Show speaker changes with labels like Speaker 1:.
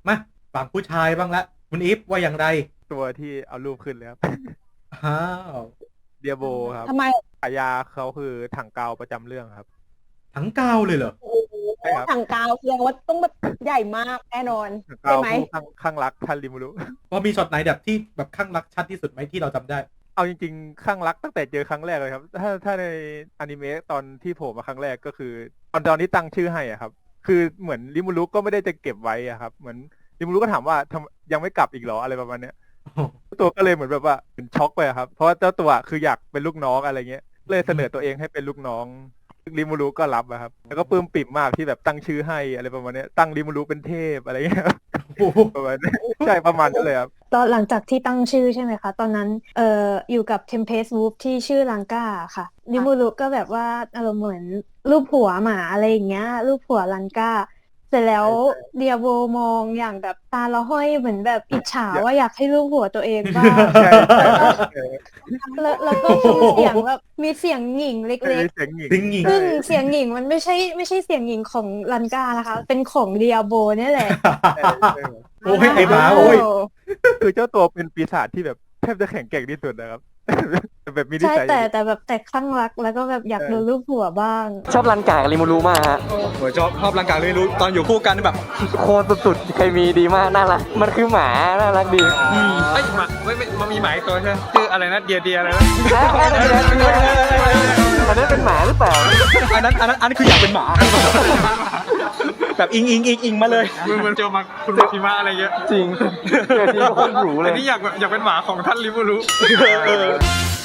Speaker 1: มาฝั่งผู้ชายบ้างละคุณอีฟว่าอย่างไร
Speaker 2: ตัวที่เอารูปขึ้นเลยครับ
Speaker 1: อ้าว
Speaker 2: เดียโบครับ
Speaker 3: ทำไม
Speaker 2: ฉายาเขาคือถังกาวประจำเรื่องครับ
Speaker 1: ทั้งกาวเลยเหรอ
Speaker 3: โอ้โห
Speaker 2: ใช่ครับ
Speaker 3: ถังกาวแสดงว่าต้องแบบใหญ่มากแน่นอน
Speaker 2: ถัง
Speaker 3: ใช่
Speaker 2: กาว
Speaker 3: ไหม
Speaker 2: ผู้ข้างรักท่านริมูรุ
Speaker 1: พอมีช็อตไหนแบบที่แบบข้างรักชัดที่สุดไหมที่เราจำได้
Speaker 2: เอาจริงๆข้างรักตั้งแต่เจอครั้งแรกเลยครับ ถ้าในอนิเมะตอนที่โผล่มาครั้งแรกก็คือตอนที่ตั้งชื่อให้อะครับ คือเหมือนริมูรุก็ไม่ได้จะเก็บไว้อะครับ เหมือนริมูรุก็ถามว่ายังไม่กลับอีกเหรออะไรประมาณเนี้ย ตัวก็เลยเหมือนแบบว่าเหมือนช็อกไปอะครับ เพราะว่าเจ้าตัวคืออยากเป็นลูกน้องอะไรเงี้ย เลยเสนอตัวเองให้เป็นลูกน้องริมูรุก็รับอะครับ แล้วก็ปลื้มปิ่มมากที่แบบตั้งชื่อให้อะไรประมาณเนี้ยตั้งริมูรุเป็นเทพอะไรเงี้ย
Speaker 1: โอ้โห
Speaker 2: ประมาณนี้ใช่ประมาณนั้นเลยครับ
Speaker 4: ตอนหลังจากที่ตั้งชื่อใช่ไหมคะตอนนั้นอยู่กับ Tempest Wolf ที่ชื่อลังกาค่ะนิมูรุก็แบบว่าอารมณ์เหมือนรูปหัวหมาอะไรอย่างเงี้ยรูปหัวลังกาเสร็จแล้วเดียโบมองอย่างแบบตาละห้อยเหมือนแบบอิจฉาว่าอยากให้รูปหัวตัวเองบ้าง
Speaker 2: ใช่ใช่ใช่
Speaker 4: แล้วก็มีเสียงแบบมีเสียงหญิงเล็ก
Speaker 2: เสียงหญิง
Speaker 1: จริงหญิง
Speaker 4: ๆซึ่งเสียงหญิงมันไม่ใช่เสียงหญิงของลันกานะคะ เป็นของเดียโบเนี่ยแหละ
Speaker 1: โอ้ยไอ้หมาโอ้ย
Speaker 2: คือเจ้าตัวเป็นปีศาจที่แบบแทบจะแข็งแกร่งที่สุดนะครับ แบบมีนิ
Speaker 4: ใช่
Speaker 2: สัย
Speaker 4: แต่คลั่งรักแล้วก็แบบอยากดูรูปหัวบ้าง
Speaker 5: ชอบรันกากับริมูรุมากฮะ
Speaker 6: ผมชอบร่างกายเลยรู้ตอนอยู่คู่กันแบบ
Speaker 5: โคตรสุดๆเคมีดีมากน่ารักมันคือหมาน่ารักดี
Speaker 6: ไอ้ยหมาไม่มันมีหมาอีกตัวใช่ไหมชื่ออะไรนะเดียอะไรนะ
Speaker 5: อันนั้นเป็นหมาหรือเปล่า
Speaker 6: อันนั้นคืออยากเป็นหมา แบบอิงมาเลยมันเจอมาคุณพิมะอะไรเงี้ย
Speaker 5: จริงเกิดที่โคตรหรูเล
Speaker 6: อั
Speaker 5: ย
Speaker 6: นนี้อยากเป็นหมาของท่านริมูรุ